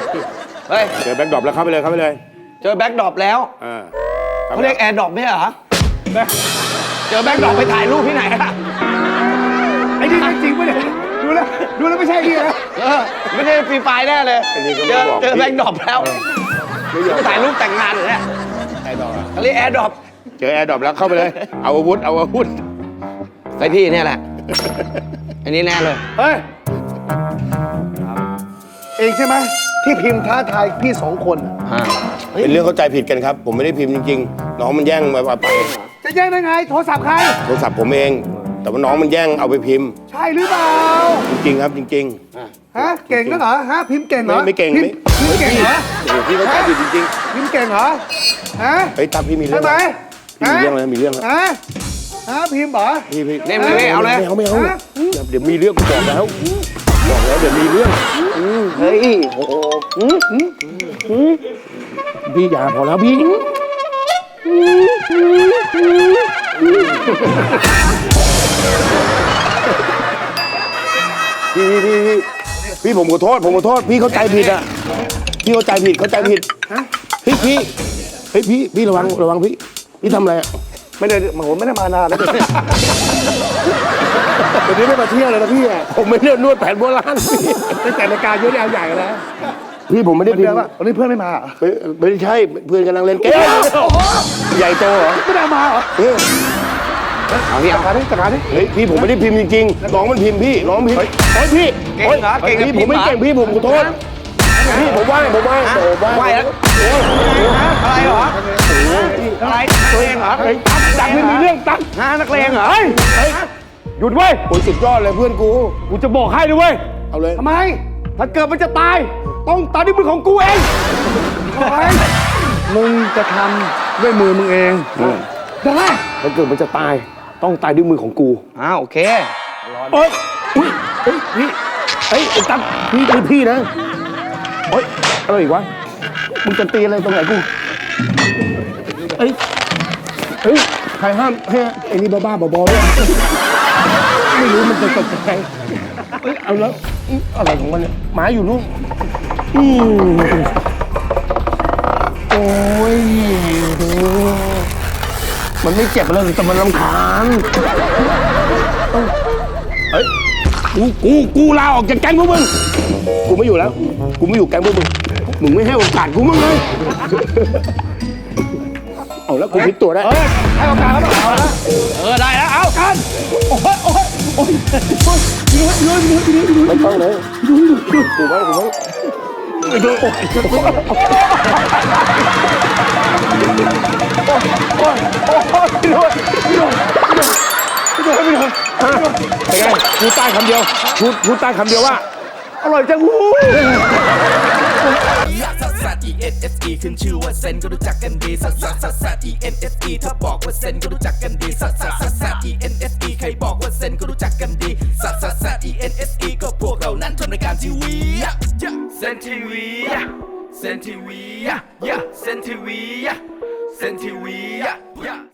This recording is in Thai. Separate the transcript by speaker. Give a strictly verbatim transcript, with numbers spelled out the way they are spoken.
Speaker 1: เฮ้ย
Speaker 2: เจอแบ็คดรอปแล้วเข้าไปเลยเข้าไปเลย
Speaker 1: เจอแบ็คดรอปแล้วเขาเรียกแอร์ดรอปไม่ใช่เหรอเจอแบ็คดรอปไปถ่ายรูปที่ไหนอะ
Speaker 3: ไอ้นี่จริงปะเนี่ยดูแล้วดูแล้วไม่ใช่นี่นะ
Speaker 1: เออไม่ใช่ฟรีไฟแน่เลยเจอเจอแบ็คดรอปแล้วไปถ่ายรูปแต่งงานหรือเนี่ย
Speaker 2: แอร์ดรอป
Speaker 1: เขาเรียกแอร์ดรอป
Speaker 2: เจอแอร์ดรอปแล้วเข้าไปเลยเอาอาวุธเอาอาวุธ
Speaker 1: ไอพี่เนี่ยแหละอันนี้แน่เลย
Speaker 3: เฮ้ยเองใช่ไหมที่พิมพ์ท้าทายพี่สองคน
Speaker 2: เป็นเรื่องเข้าใจผิดกันครับผมไม่ได้พิมพ์จริงๆน้องมันแย่งมาไป
Speaker 3: จะแย่งได้ไงโทรศัพท์ใคร
Speaker 2: โทรศัพท์ผมเองแต่ว่าน้องมันแย่งเอาไปพิมพ์
Speaker 3: ใช่หรือเปล่า
Speaker 2: จริงๆครับจริง
Speaker 3: ๆฮะเก่งนักเหรอฮะพิมพ์เก่งเหรอ
Speaker 2: ไม่เก่งไม่
Speaker 3: พิมพ์เก่งเหรอ
Speaker 2: โอ้พี่เข้าใจผิดจริง
Speaker 3: ๆพิมพ์เก่งเหรอฮะ
Speaker 2: เฮ้ยตาพี่มีเรื่อง
Speaker 3: ใช่ไหม
Speaker 2: มีเรื่องอะไรมีเรื่อง
Speaker 3: ฮะฮะพิมพ์เหรอ
Speaker 2: พี่พี่
Speaker 1: เนี่ยไม่เอาเลย
Speaker 2: ไม่เอาไม่เอาเดี๋ยวมีเรื่องกูบอกแล้วบอกแล้วเดี๋ยวมีเรื่อง
Speaker 1: เฮ้ย
Speaker 2: โอ้โหพี่อย่าพอแล้วพี่พี่พี่พี่พี่ผมขอโทษผมขอโทษพี่เข้าใจผิดอ่ะพี่เข้าใจผิดเข้าใจผิดพี่พี่เฮ้ยพี่พี่ระวังระวังพี่พี่ทำอะไรอ่ะ
Speaker 3: ไม่ได้ผมไม่ได้มานานแล้วเดี๋ยวนี้ไม่มาเที่ยวเลยนะพี่อ่ะ
Speaker 2: ผมไม่ได้นวดแผนโบราณ
Speaker 3: ตั้งแต่รายการเยอะเอาใหญ่แล้ว
Speaker 2: พี่ผมไม่ได้
Speaker 3: พิมพ์วันนี้เพื่อนไม่มา
Speaker 2: ไม่ใช่เพื่อนกำลังเล่นเกมใหญ่โตเหรอ
Speaker 3: ไม่ได้มาเหรอ
Speaker 1: เอาพี่เอา
Speaker 3: มาดิจัดการดิ
Speaker 2: เฮ้ยพี่ผมไม่ได้พิมพ์จริงๆน้องมันพิมพ์พี่น้องพิมพ์เฮ้ยพี่
Speaker 1: เก่งเหรอเก่ง
Speaker 2: พี่ผมไม่เก่งพี่ผมขอโทษพี่ผมว่าผมว่าผมว่า
Speaker 1: ไหวแล้วอะไรเหรออะไรนักเลงเหรอ
Speaker 2: ตังไม่มีเรื่องตัง
Speaker 1: ฮะนักเลงเหรอ
Speaker 3: หยุดเว้ย
Speaker 2: โอ้ยสุดยอดเลยเพื่อนกู
Speaker 3: กูจะบอกให้ด้วยเว้ย
Speaker 2: เอาเลย
Speaker 3: ทำไมถ้าเกิดมันจะตายต้องตายด้วยมือของกูเองมึงจะทำด้วยมือมึงเองได้
Speaker 2: ถ้าเกิดมันจะตายต้องตายด้วยมือของกู
Speaker 1: อ้าวโอเค
Speaker 2: เอ้ยอุ้ยเฮ้ยพี่เฮ้ยไอ้ตั๊กพี่เป็นพี่นะเฮ้ยอะไรอีกวะมึงจะตีอะไรตรงไหนกูเฮ้ยเฮ้ยใครห้ามให้ไอ้นี่บ้าๆบอๆเนี่ยไม่รู้มันจะตกใจเฮ้ยเอาแล้วอะไรของมันเนี่ยหมาอยู่นู่นอืมโอ้ยมันไม่เจ็บเลยแต่มันรำคาญเฮ้ยกูกูกูลาออกจากแก๊งพวกมึงกูไม่อยู่แล้วกูไม่อยู่แก๊งพวกมึงมึงไม่ให้โอกาสกูมั้งเลยเอาแล้วกูพลิกตัวได้
Speaker 3: ให้โอกาสแล้วเอาละ
Speaker 1: เออได้แล้วเอากัน
Speaker 3: โอ้ยโอ้ยโอ้ยเยอะเยอะเยอะเยอะ
Speaker 2: ไม่ต้องเลยกูว่ากูว่าไม่โดนโอ้ยโอ้ยโอ้ยโอ้ยไม่โดนไม่โดนไม่โดนไม่โดนไม่โดนเป็นไงพูดใต้คำเดียวพูดพูดใต้คำเดียวว่า
Speaker 3: อร่อยจังหู
Speaker 4: ซัสซัส อี เอ็น เอส อี ขึ้นชื่อว่าเซนก็รู้จักกันดีซัสซัสซัสซัส อี เอ็น เอส อี ถ้าบอกว่าเซนก็รู้จักกันดีซัสซัสซัสซัส อี เอ็น เอส อี ใครบอกว่าเซนก็รู้จักกันดีซัสซัสซัส อี เอ็น เอส อี ก็พวกเรานั้นทำรายการทีวีเซนทีวีเซนทีวีเซนทีวีเซนทีวี